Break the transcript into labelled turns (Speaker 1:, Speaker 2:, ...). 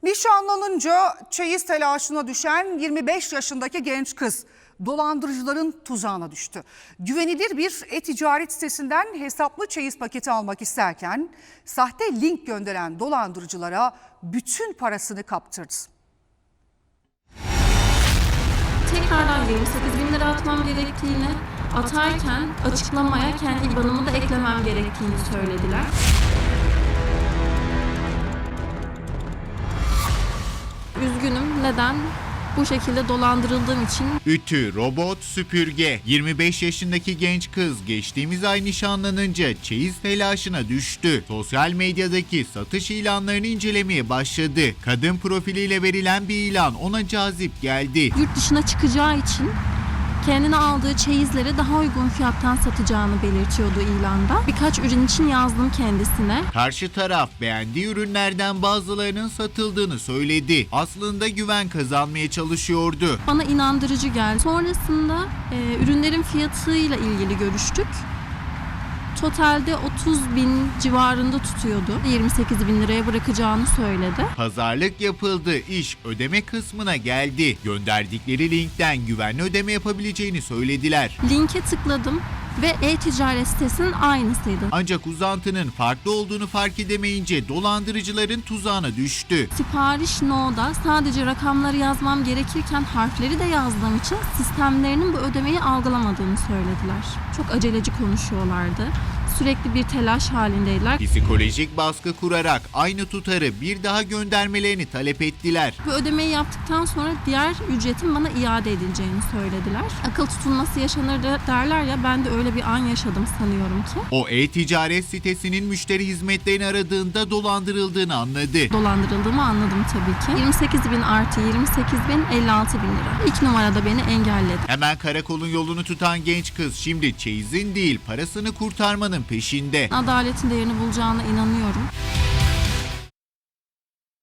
Speaker 1: Nişanlanınca çeyiz telaşına düşen 25 yaşındaki genç kız dolandırıcıların tuzağına düştü. Güvenilir bir e-ticaret sitesinden hesaplı çeyiz paketi almak isterken sahte link gönderen dolandırıcılara bütün parasını kaptırdı.
Speaker 2: Tekrardan 28.000 lira atmam gerektiğini, atarken açıklamaya kendi IBAN'ımı da eklemem gerektiğini söylediler. Üzgünüm. Neden? Bu şekilde dolandırıldığım için.
Speaker 3: Ütü, robot, süpürge. 25 yaşındaki genç kız geçtiğimiz ay nişanlanınca çeyiz telaşına düştü. Sosyal medyadaki satış ilanlarını incelemeye başladı. Kadın profiliyle verilen bir ilan ona cazip geldi.
Speaker 2: Yurt dışına çıkacağı için kendine aldığı çeyizleri daha uygun fiyattan satacağını belirtiyordu ilanda. Birkaç ürün için yazdım kendisine.
Speaker 3: Karşı taraf beğendiği ürünlerden bazılarının satıldığını söyledi. Aslında güven kazanmaya çalışıyordu.
Speaker 2: Bana inandırıcı geldi. Sonrasında ürünlerin fiyatıyla ilgili görüştük. Totalde 30.000 civarında tutuyordu. 28.000 liraya bırakacağını söyledi.
Speaker 3: Pazarlık yapıldı. İş ödeme kısmına geldi. Gönderdikleri linkten güvenli ödeme yapabileceğini söylediler.
Speaker 2: Linke tıkladım ve e-ticaret sitesinin aynısıydı.
Speaker 3: Ancak uzantının farklı olduğunu fark edemeyince dolandırıcıların tuzağına düştü.
Speaker 2: Sipariş no'da sadece rakamları yazmam gerekirken harfleri de yazdığım için sistemlerinin bu ödemeyi algılamadığını söylediler. Çok aceleci konuşuyorlardı. Sürekli bir telaş halindeydiler.
Speaker 3: Psikolojik baskı kurarak aynı tutarı bir daha göndermelerini talep ettiler.
Speaker 2: Bu ödemeyi yaptıktan sonra diğer ücretin bana iade edileceğini söylediler. Akıl tutulması yaşanır derler ya, ben de öyle bir an yaşadım sanıyorum ki.
Speaker 3: O e-ticaret sitesinin müşteri hizmetlerini aradığında dolandırıldığını anladı.
Speaker 2: Dolandırıldığımı anladım tabii ki. 28.000 artı 28.000 56.000 lira. İlk numarada beni engelledi.
Speaker 3: Hemen karakolun yolunu tutan genç kız şimdi çeyizin değil parasını kurtarmanın peşinde.
Speaker 2: Adaletin değerini bulacağına inanıyorum.